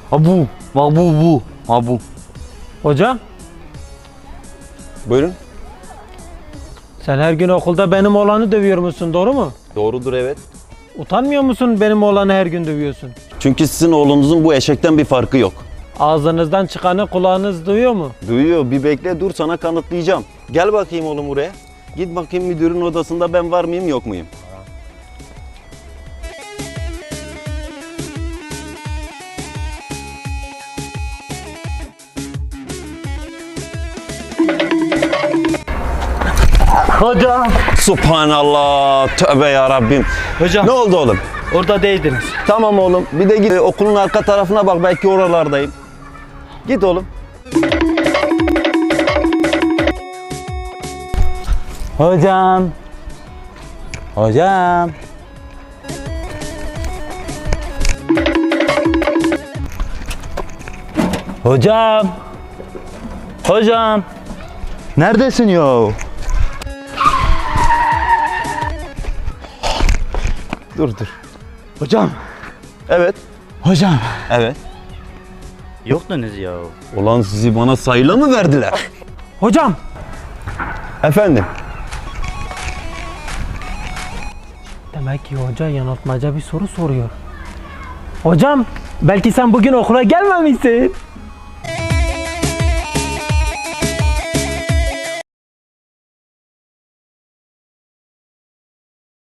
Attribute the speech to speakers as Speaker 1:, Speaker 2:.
Speaker 1: Ha bu. Bak bu. Ha bu.
Speaker 2: Hocam,
Speaker 3: Buyurun.
Speaker 2: sen her gün okulda benim oğlanı dövüyor musun, doğru mu?
Speaker 3: Doğrudur, evet.
Speaker 2: Utanmıyor musun benim oğlanı her gün dövüyorsun?
Speaker 3: Çünkü sizin oğlunuzun bu eşekten bir farkı yok.
Speaker 2: Ağzınızdan çıkanı kulağınız duyuyor mu?
Speaker 3: Duyuyor, bir bekle, dur sana kanıtlayacağım. Gel bakayım oğlum buraya. Git bakayım müdürün odasında ben var mıyım yok muyum?
Speaker 1: Hocam.
Speaker 3: Subhanallah, tövbe ya Rabbim.
Speaker 1: Hocam.
Speaker 3: Ne oldu oğlum?
Speaker 1: Orada değildiniz.
Speaker 3: Tamam oğlum, bir de git okulun arka tarafına bak, belki oralardayım. Git oğlum.
Speaker 1: Hocam. Hocam. Hocam. Hocam. Neredesin ya?
Speaker 3: Dur.
Speaker 1: Hocam.
Speaker 3: Evet.
Speaker 1: Hocam.
Speaker 3: Evet.
Speaker 1: Yoktunuz ya.
Speaker 3: Ulan sizi bana sayıyla mı verdiler?
Speaker 2: Hocam,
Speaker 3: Efendim?
Speaker 2: demek ki hoca yanıltmaca bir soru soruyor. Hocam, belki sen bugün okula gelmemişsin.